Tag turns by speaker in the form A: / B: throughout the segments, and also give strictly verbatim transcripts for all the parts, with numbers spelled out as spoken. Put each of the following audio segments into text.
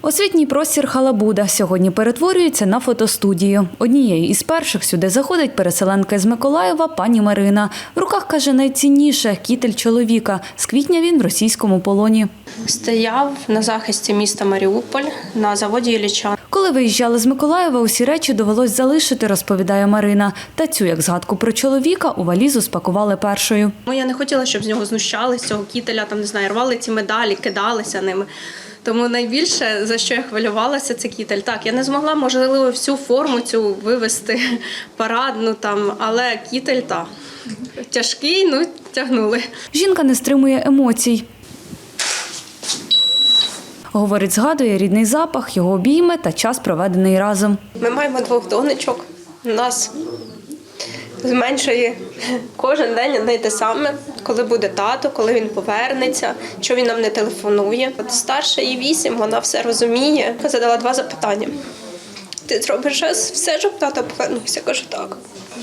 A: Освітній простір Халабуда сьогодні перетворюється на фотостудію. Однією із перших сюди заходить переселенка з Миколаєва пані Марина. В руках, каже, найцінніше – кітель чоловіка. З квітня він в російському полоні.
B: Стояв на захисті міста Маріуполь на заводі Ілліча.
A: Коли виїжджали з Миколаєва, усі речі довелось залишити, розповідає Марина. Та цю, як згадку про чоловіка, у валізу спакували першою.
B: Я не хотіла, щоб з нього знущались, з цього кітеля, там, не знаю, рвали ці медалі, кидалися ними. Тому найбільше, за що я хвилювалася, це кітель. Так, я не змогла, можливо, всю форму цю вивести, парадну там, але кітель, так, тяжкий, ну, тягнули.
A: Жінка не стримує емоцій. Говорить, згадує рідний запах, його обійми та час, проведений разом.
B: Ми маємо двох донечок, у нас зменшує кожен день одне й те саме, коли буде тато, коли він повернеться, що він нам не телефонує. От старша їй вісім, вона все розуміє. Я задала два запитання. Ти зробиш все, щоб тато повернувся? Кажу, так.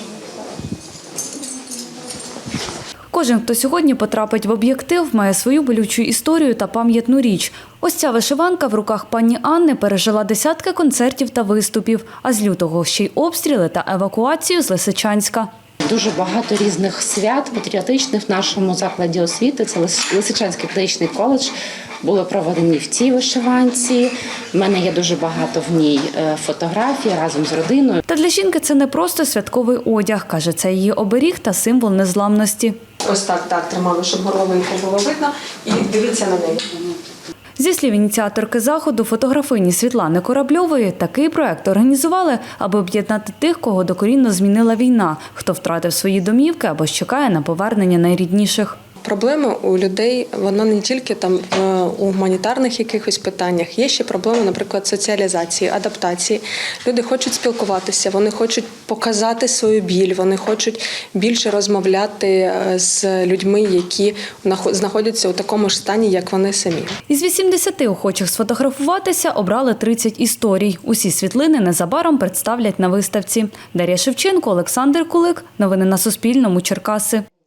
A: Кожен, хто сьогодні потрапить в об'єктив, має свою болючу історію та пам'ятну річ. Ось ця вишиванка в руках пані Анни пережила десятки концертів та виступів, а з лютого ще й обстріли та евакуацію з Лисичанська.
C: Дуже багато різних свят патріотичних в нашому закладі освіти. Це Лисичанський педагогічний коледж. Були проведені в цій вишиванці. У мене є дуже багато в ній фотографій разом з родиною.
A: Та для жінки це не просто святковий одяг. Каже, це її оберіг та символ незламності.
D: Ось так, так, тримали, щоб горловинку було видно. І дивіться на неї.
A: Зі слів ініціаторки заходу, фотографині Світлани Корабльової, такий проект організували, аби об'єднати тих, кого докорінно змінила війна, хто втратив свої домівки або ж чекає на повернення найрідніших.
D: Проблема у людей, вона не тільки там у гуманітарних якихось питаннях, є ще проблема, наприклад, соціалізації, адаптації. Люди хочуть спілкуватися, вони хочуть показати свою біль, вони хочуть більше розмовляти з людьми, які знаходяться у такому ж стані, як вони самі.
A: Із вісімдесяти охочих сфотографуватися обрали тридцять історій. Усі світлини незабаром представлять на виставці. Дар'я Шевченко, Олександр Кулик. Новини на Суспільному. Черкаси.